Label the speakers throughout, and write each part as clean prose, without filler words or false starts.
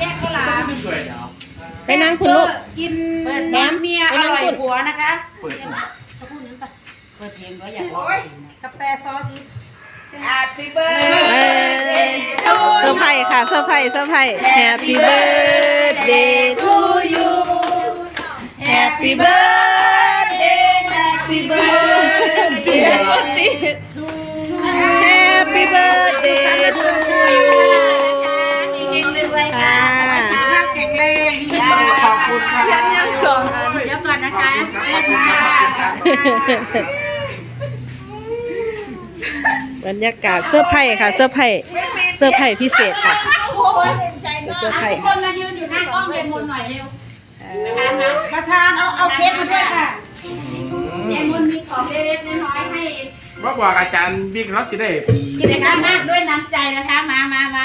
Speaker 1: กข้าวหลาม
Speaker 2: ไม่ช่วยเนาะ
Speaker 3: ไปนั่งคุณลูก
Speaker 1: กิน
Speaker 3: แหนม
Speaker 1: น้ำเมียอร่อยหัวนะคะ
Speaker 2: เปิด
Speaker 1: เขาพูดนั้นปะเปิดเพลงก็อยากร้องเพลงนะกาแฟซอสดิ Happy
Speaker 3: เซอร์ไพรส์ค่ะเซอร์ไพรส์Happy birthday to you Happy birthday Happy birthday Happy birthday to you
Speaker 1: เฮงๆเลยค่ะแข็งแรง
Speaker 2: ขอบคุณครับ
Speaker 1: ยังสองอันเดี๋ยวก่อนนะคะ
Speaker 3: บรรยากาศเสื้อร์ไผ่ค่ะเสื้อร์ไผ่พิเศษค่ะเสื้อร์ไผ่
Speaker 1: คนมายืนอยู่หน้ากล้องเย็นมนหน่อยเร็วประธานเอาเค้กมาด้วยค่ะเย็นมนมีของเล็กๆน้อยๆให้
Speaker 2: ว่าบอกอาจารย์บิ๊กเขาสิได้
Speaker 1: กิจกรรมมากด้วยน้ำใจนะคะมา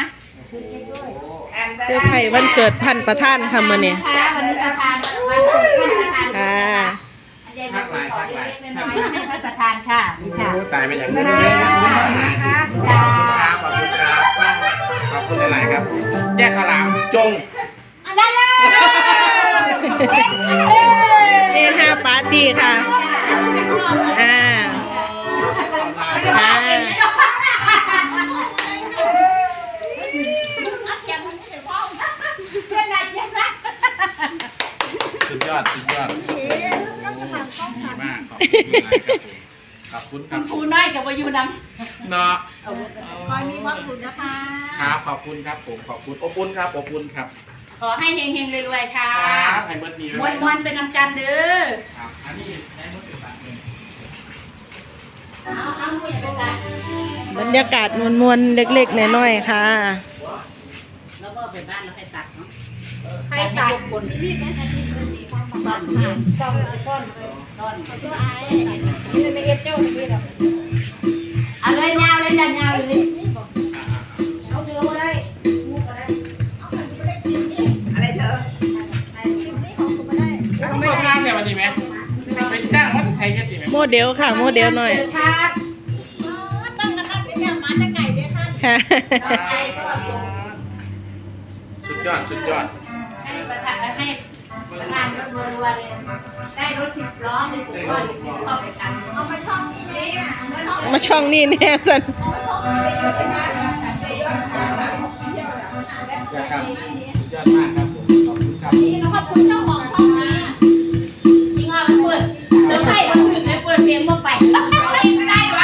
Speaker 3: เสื้อร์ไผ่วันเกิดท่านประธานค่ะมื้อนี้
Speaker 1: วันนี้ประธานวันเกิดท่านประธาน
Speaker 3: ค่ะ
Speaker 1: เย็นมนมีของเล็กๆน้อยๆให้ท่านประธานค่ะนี่ค่ะ
Speaker 2: ตายไปอย่างนี้เลยครับขอบคุณครับขอบคุณหลายๆครับ แยกขลามจง
Speaker 1: ได้เลย
Speaker 3: เฮฮาปาร์ตี้ค่ะค่ะ
Speaker 2: สุดยอดดีมากขอบคุณหลายครับขอบคุณครับ
Speaker 1: ครูน้อยกับวายุนำ
Speaker 2: เนาะ
Speaker 1: คอยมีความสุขนะคะ
Speaker 2: ครับขอบคุณครับผมขอบคุณอบอุ่นครับอบอุ่นครับ
Speaker 1: ขอให้เฮงๆรวยๆค่ะ
Speaker 2: ครับให้เบิร์ดดี
Speaker 1: มวนๆเป็นน้ำกันเด้อ
Speaker 2: ครับอันนี้ใช้มือถือตัดเอง
Speaker 1: เอาผู้ใหญ่เป็นไร
Speaker 3: บรรยากาศมวลๆเล็กๆน้อยๆค่ะ
Speaker 1: แล้วก็ไปบ้านแล้วใครตัดเนาะใครตัดคนนี่แม่ใครที่เป็นสีฟ้าต้นค่ะต้นนี่เลยไม่เอ็ดเจ้าเลยหรอเอาเลยยาวเลยจันยาวเลยเอาเดือมาได้มูก็ได้อะไรเธอ
Speaker 2: ต้องเลิกงานเนี่ยวันนี้ไหมเป็นจ้างวัดไทยกันดีไหม
Speaker 3: โมเดลค่ะโมเดลหน่อย
Speaker 1: ครับตั้งกันนั่นเนี่ยมาจะไก่เนี่ยท่าน
Speaker 3: ค่ะ
Speaker 2: สุดยอดสุดยอด
Speaker 1: ให้ประธานให้ประธานรถรัวๆเลยได้รถ10 ล้อเลยผมว่า10 ล้อไปกันเอามาช่องนี้เลยอ่ะ
Speaker 3: มาช่องนี้แน่สัน
Speaker 2: ครับสุดยอดมากครับผมขอบคุณครับ
Speaker 1: ขอบคุณเจ้าของช่องนี้จริงอ่ะเปิดเซอร์ไพรส์วันอื่นเลยเปิดเพลงมาไปไม่ได้หรอ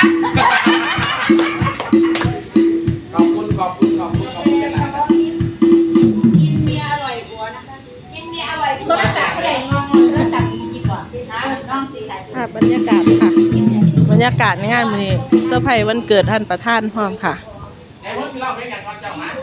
Speaker 2: ขอบคุณกันนะครับ
Speaker 1: กินเมียอร่อยกว่านะคะกินเมียอร่อยโทรศัพท์ผู้ใหญ่งงโทรศัพท์ดีกว่าน้องสีไหล
Speaker 3: ค่ะบรรยากาศค่ะ บรรยากาศในงานมื้อนี้เซอร์ไพรส์วันเกิดท่านประธานพร้อมค่ะ
Speaker 2: ไอ้พวกที่เราไม่กันก่อนเจ้ามา